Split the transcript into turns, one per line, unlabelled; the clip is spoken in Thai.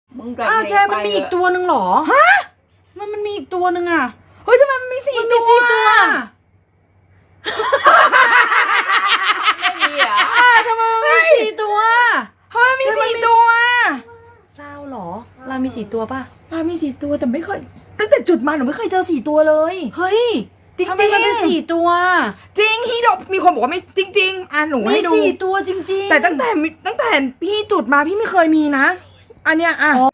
มึงกับ
อ้าวเจมันมีอีกตัวหนึ่งเหรอฮะมันมีอีกตัวหนึ่งอ่ะเฮ้ยทำไมมันมี4 ตัว
ไม่มีอ่ะ
ทำไมมันมี4 ตัวทำไมมี4 ตัวเราเหรอเรามี4 ตัวป่ะ
เรามี4 ตัวแต่ไม่เคยตั้งแต่จุดมาหนูไม่เคยเจอ4 ตัวเลย
เฮ้ย
จริงๆ
ทำไมมันเป็น4 ตัว
จริงฮีโดมีคนบอกว่าไม่จริงๆหนู
มี
ให้ดู
4 ตัวจริงๆ
แต่ตั้งแต่พี่จุดมาพี่ไม่เคยมีนะอันเนี้ย
อ๋อ